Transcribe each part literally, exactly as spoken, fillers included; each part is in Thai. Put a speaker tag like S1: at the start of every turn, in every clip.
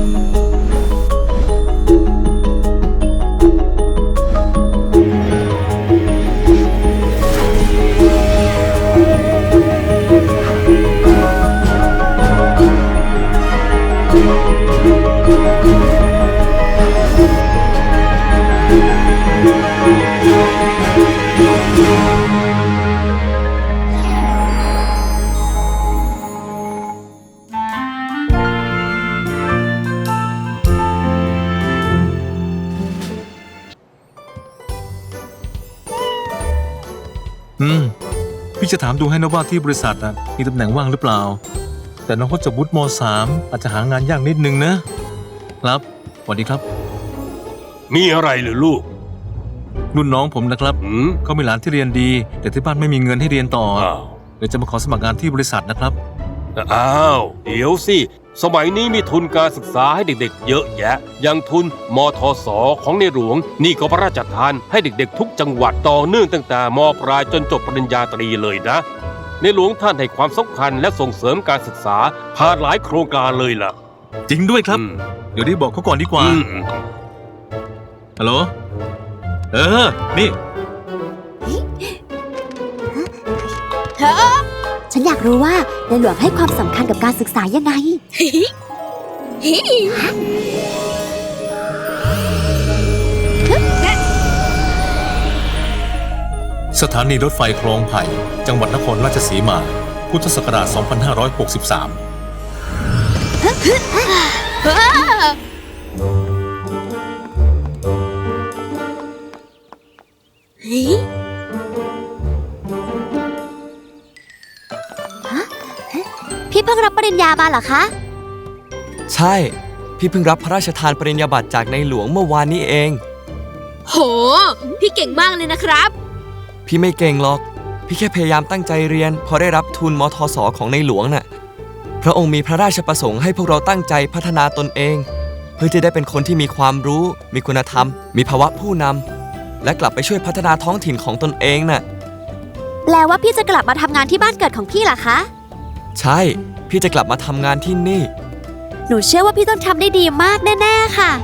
S1: อืมพี่จะถามดูให้นะว่าที่บริษัทนะมีตำแหน่งว่างหรือเปล่าแต่น้องเขาจบวุฒิม.สาม อาจจะหางานยากนิดนึงนะครับสวัสดีครับ
S2: มีอะไรหรือลูก
S1: รุ่นน้องผมนะครับ
S2: อืม
S1: เขามีหลานที่เรียนดีแต่ที่บ้านไม่มีเงินให้เรียนต่อ
S2: อ้าว
S1: เดี๋ยวจะมาขอสมัครงานที่บริษัทนะครับ
S2: อ้าว เดี๋ยวสิ สมัยนี้มีทุนการศึกษาให้เด็กๆเยอะแยะ อย่างทุนมทสของในหลวง นี่ก็พระราชทานให้เด็กๆทุกจังหวัดต่อเนื่องตั้งแต่มปลายจนจบปริญญาตรีเลยนะ ในหลวงท่านให้ความสำคัญและส่งเสริมการศึกษาผ่านหลายโครงการเลยล่ะ
S1: จริงด้วยครับ
S2: อืม
S1: เดี๋ยวรีบบอกเขาก่อนดีกว่า
S2: อืม
S1: ฮัลโหลเออนี่
S3: ฉันอยากรู้ว่าในหลวงให้ความสำคัญกับการศึกษายังไง
S1: สถานีรถไฟคลองไผ่จังหวัดนครราชสีมาพุทธศักราช สองพันห้าร้อยหกสิบสาม
S3: พี่เพิ่งรับปริญญามาเหรอคะ
S4: ใช่ พี่เพิ่งรับพระราชทานปริญญาบัตรจากในหลวงเมื่อวานนี้เอง
S5: โห พี่เก่งมากเลยนะครับ
S4: พี่ไม่เก่งหรอก พี่แค่พยายามตั้งใจเรียนพอได้รับทุนมทสของในหลวงน่ะ พระองค์มีพระราชประสงค์ให้พวกเราตั้งใจพัฒนาตนเอง เพื่อจะได้เป็นคนที่มีความรู้ มีคุณธรรม มีภาวะผู้นำและกลับไปช่วยพัฒนาท้องถิ่นของตนเองน่ะ
S3: แปลว่าพี่จะกลับมาทำงานที่บ้านเกิดของพี่เหรอคะ
S4: ใช่ พี่จะกลับมาทำงานที่นี่
S3: หนูเชื่อว่าพี่ต้องทำได้ดีมากแน่ๆค่ะ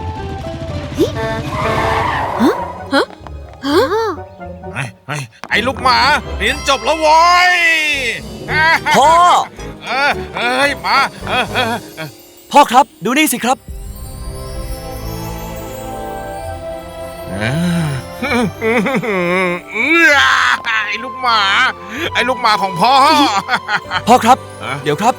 S3: ฮะฮะฮะ
S6: ไอ้ไอ้ไอ้ลูกหมาเรียนจบแล้วโว้ย
S4: พ่อ
S6: เออเอ้ยมาเออเออเออ
S4: พ่อครับดูนี่สิครับ
S6: เออไอ้ลูกหมา ไอ้ลูกหมาของพ่อ
S4: พ่อครับ
S6: ฮะ
S4: เดี๋ยวครับ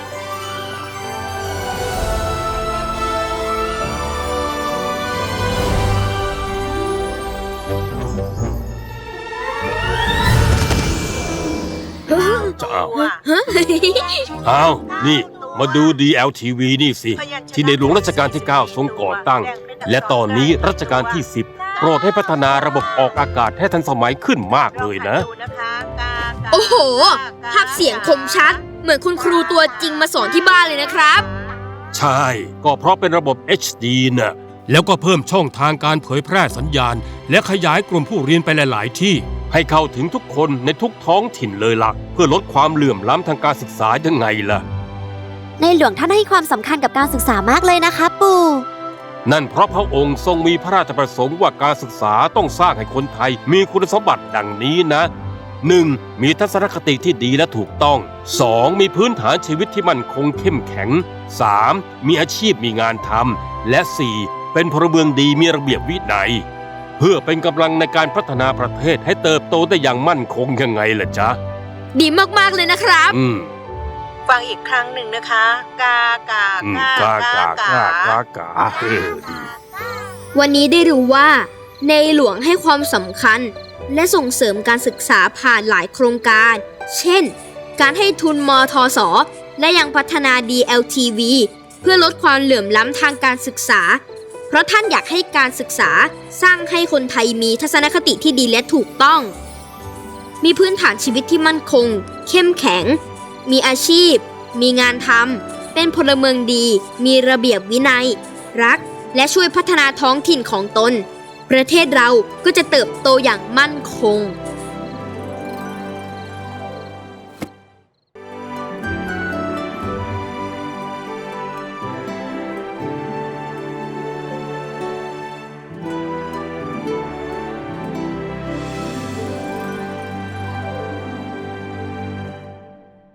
S2: อ้าว อ้าว นี่ มาดู ดี แอล ที วี นี่สิ ที่ในหลวงรัชกาลที่ เก้า ทรงก่อตั้ง และตอนนี้รัชกาลที่ สิบ โปรดให้พัฒนาระบบออกอากาศให้ทันสมัยขึ้นมากเลยนะ
S5: โอ้โห ภาพเสียงคมชัด เหมือนคุณครูตัวจริงมาสอนที่บ้านเลยนะครับ
S2: ใช่ ก็เพราะเป็นระบบ เอช ดี น่ะ แล้วก็เพิ่มช่องทางการเผยแพร่สัญญาณ และขยายกลุ่มผู้เรียนไปหลาย ๆ ที่ ให้เข้าถึงทุกคนในทุกท้องถิ่นเลยล่ะ เพื่อลดความเหลื่อมล้ำทางการศึกษายังไงล่ะ
S3: ในหลวงท่านให้ความสำคัญกับการศึกษามากเลยนะคะปู่
S2: นั่นเพราะพระองค์ทรงมีพระราชประสงค์ว่าการศึกษาต้องสร้างให้คนไทยมีคุณสมบัติดังนี้นะ หนึ่ง มีทัศนคติที่ดีและถูกต้อง สอง มีพื้นฐานชีวิตที่มั่นคงเข้มแข็ง สาม มีอาชีพมีงานทำ และ สี่ เป็นพลเมืองดีมีระเบียบวินัย เพื่อเป็นกำลังในการพัฒนาประเทศให้เติบโตได้อย่างมั่นคงยังไงล่ะจ๊ะ
S5: ดีมากๆเลยนะครับ
S2: อืม
S7: ฟังอีกครั้งหนึ่งนะคะ กากา
S2: อืม
S7: กาก
S2: ากากากากาเออดี
S5: วันนี้ได้รู้ว่า ในหลวงให้ความสำคัญ และส่งเสริมการศึกษาผ่านหลายโครงการ เช่น การให้ทุนมทส และยังพัฒนา ดี แอล ที วี เพื่อลดความเหลื่อมล้ำทางการศึกษา เพราะท่านอยากให้การศึกษาสร้างให้คนไทยมีทัศนคติที่ดีและถูกต้อง มีพื้นฐานชีวิตที่มั่นคง เข้มแข็ง มีอาชีพ มีงานทำ เป็นพลเมืองดี มีระเบียบวินัย รัก และช่วยพัฒนาท้องถิ่นของตน ประเทศเราก็จะเติบโตอย่างมั่นคง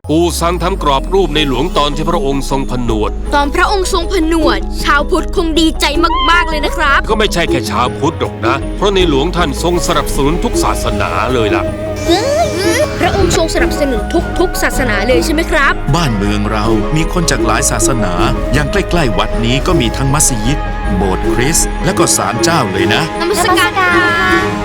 S2: ปูซังทำกรอบรูปในหลวงตอนที่พระองค์ทรงผนวด
S5: ตอนพระองค์ทรงผนวด ชาวพุทธคงดีใจมากๆเลยนะครับ
S2: ก็ไม่ใช่แค่ชาวพุทธหรอกนะ เพราะในหลวงท่านทรงสนับสนุนทุกศาสนาเลยล่ะ
S5: พระองค์ทรงสนับสนุนทุกๆศาสนาเลยใช่ไหมครับ
S8: บ้านเมืองเรามีคนจากหลายศาสนา อย่างใกล้ๆวัดนี้ก็มีทั้งมัสยิด โบสถ์คริสต์และก็ศาลเจ้าเลยนะ
S5: นมัสการครับ